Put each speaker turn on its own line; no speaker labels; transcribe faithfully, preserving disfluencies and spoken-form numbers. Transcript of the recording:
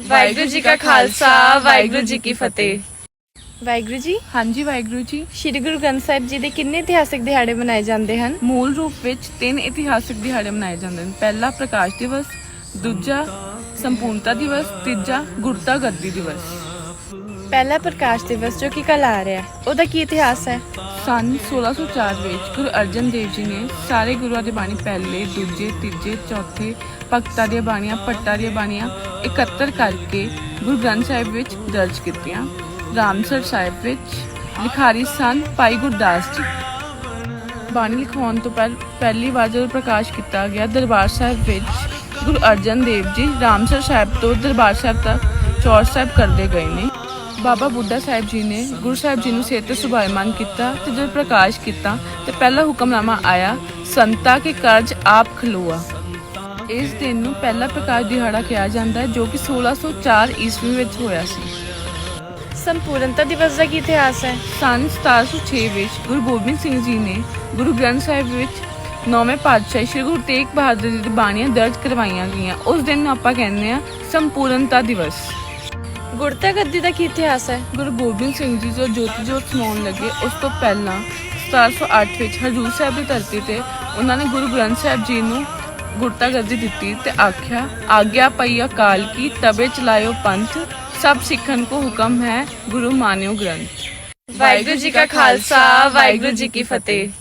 ਵਾਹਿਗੁਰੂ ਜੀ ਕਾ ਖਾਲਸਾ ਵਾਹਿਗੁਰੂ ਜੀ ਕੀ ਫਤਿਹ।
ਵਾਹਿਗੁਰੂ ਜੀ।
ਹਾਂਜੀ ਵਾਹਿਗੁਰੂ ਜੀ।
ਸ਼੍ਰੀ ਗੁਰੂ ਗ੍ਰੰਥ ਸਾਹਿਬ ਜੀ ਦੇ ਕਿੰਨੇ ਇਤਿਹਾਸਕ ਦਿਹਾੜੇ ਮਨਾਏ ਜਾਂਦੇ ਹਨ?
ਮੂਲ ਰੂਪ ਵਿੱਚ ਤਿੰਨ ਇਤਿਹਾਸਕ ਦਿਹਾੜੇ ਮਨਾਏ ਜਾਂਦੇ ਹਨ। ਪਹਿਲਾ ਪ੍ਰਕਾਸ਼ ਦਿਵਸ, ਦੂਜਾ ਸੰਪੂਰਨਤਾ ਦਿਵਸ, ਤੀਜਾ ਗੁਰਤਾ ਗੱਦੀ ਦਿਵਸ।
ਪਹਿਲਾ ਪ੍ਰਕਾਸ਼ ਦਿਵਸ ਜੋ ਕਿ ਕੱਲ ਆ ਰਿਹਾ ਹੈ, ਉਹਦਾ ਕੀ ਇਤਿਹਾਸ ਹੈ?
ਸੰਨ ਸੋਲਾਂ ਸੌ ਚਾਰ ਵਿੱਚ ਗੁਰੂ ਅਰਜਨ ਦੇਵ ਜੀ ਨੇ ਸਾਰੇ ਗੁਰੂਆਂ ਦੀ ਬਾਣੀ ਪਹਿਲੇ, ਦੂਜੇ, ਤੀਜੇ, ਚੌਥੇ ਭਗਤਾਂ ਦੀਆਂ ਬਾਣੀਆਂ, ਭੱਟਾਂ ਦੀਆਂ ਬਾਣੀਆਂ ਇਕੱਤਰ ਕਰਕੇ ਗੁਰੂ ਗ੍ਰੰਥ ਸਾਹਿਬ ਵਿੱਚ ਦਰਜ ਕੀਤੀਆਂ। ਰਾਮਸਰ ਸਾਹਿਬ ਵਿੱਚ ਲਿਖਾਰੀ ਸਨ ਭਾਈ ਗੁਰਦਾਸ ਜੀ। ਬਾਣੀ ਲਿਖਾਉਣ ਤੋਂ ਪਹਿਲ ਪਹਿਲੀ ਵਾਰ ਜਦੋਂ ਪ੍ਰਕਾਸ਼ ਕੀਤਾ ਗਿਆ ਦਰਬਾਰ ਸਾਹਿਬ ਵਿੱਚ ਗੁਰੂ ਅਰਜਨ ਦੇਵ ਜੀ ਰਾਮਸਰ ਸਾਹਿਬ ਤੋਂ ਦਰਬਾਰ ਸਾਹਿਬ ਤੱਕ ਚੌਰ ਸਾਹਿਬ ਕਰਦੇ ਗਏ ਨੇ। ਬਾਬਾ ਬੁੱਢਾ ਸਾਹਿਬ ਜੀ ਨੇ ਗੁਰੂ ਸਾਹਿਬ ਜੀ ਨੂੰ ਸਿਰ ਤੇ ਸੁਭਾਇਮਾਨ ਕੀਤਾ ਤੇ ਜਦੋਂ ਪ੍ਰਕਾਸ਼ ਕੀਤਾ ਤੇ ਪਹਿਲਾ ਹੁਕਮਨਾਮਾ ਆਇਆ, ਸੰਤਾ ਕੇ ਕਰਜ ਆਪ ਖਲੋਆ। ਇਸ ਦਿਨ ਨੂੰ ਪਹਿਲਾ ਪ੍ਰਕਾਸ਼ ਦਿਹਾੜਾ ਕਿਹਾ ਜਾਂਦਾ ਹੈ, ਜੋ ਕਿ ਸੋਲਾਂ ਸੌ ਚਾਰ ਈਸਵੀ ਵਿੱਚ ਹੋਇਆ ਸੀ।
ਸੰਪੂਰਨਤਾ ਦਿਵਸ ਦਾ ਕੀ ਇਤਿਹਾਸ ਹੈ?
ਸੰਨ ਸਤਾਰਾਂ ਸੌ ਛੇ ਵਿੱਚ ਗੁਰੂ ਗੋਬਿੰਦ ਸਿੰਘ ਜੀ ਨੇ ਗੁਰੂ ਗ੍ਰੰਥ ਸਾਹਿਬ ਵਿੱਚ ਨੌਵੇਂ ਪਾਤਸ਼ਾਹ ਸ਼੍ਰੀ ਗੁਰੂ ਤੇਗ ਬਹਾਦਰ ਜੀ ਦੀ ਬਾਣੀਆਂ ਦਰਜ ਕਰਵਾਈਆਂ ਗਈਆਂ। ਉਸ ਦਿਨ ਨੂੰ ਆਪਾਂ ਕਹਿੰਦੇ ਹਾਂ ਸੰਪੂਰਨਤਾ ਦਿਵਸ।
ਗੁਰਤਾ ਗੱਦੀ ਦਾ ਕੀ ਇਤਿਹਾਸ ਹੈ?
ਗੁਰੂ ਗੋਬਿੰਦ ਸਿੰਘ ਜੀ ਜੋ ਜੋਤੀ ਜੋਤ ਸਮਾਉਣ ਲੱਗੇ ਉਸ ਤੋਂ ਪਹਿਲਾਂ ਸਤਾਰਾਂ ਸੌ ਅੱਠ ਵਿੱਚ ਹਜ਼ੂਰ ਸਾਹਿਬ ਦੀ ਧਰਤੀ ਤੇ ਉਹਨਾਂ ਨੇ ਗੁਰੂ ਗ੍ਰੰਥ ਸਾਹਿਬ ਜੀ ਨੂੰ ਗੁਰਤਾ ਗੱਦੀ ਦਿੱਤੀ ਤੇ ਆਖਿਆ, ਆਗਿਆ ਪਈ ਅਕਾਲ ਕੀ ਤਬੇ ਚਲਾਇਓ ਪੰਥ, ਸਭ ਸਿੱਖਣ ਕੋ ਹੁਕਮ ਹੈ ਗੁਰੂ ਮਾਨਿਓ ਗ੍ਰੰਥ।
ਵਾਹਿਗੁਰੂ ਜੀ ਕਾ ਖਾਲਸਾ ਵਾਹਿਗੁਰੂ ਜੀ ਕੀ ਫਤਿਹ।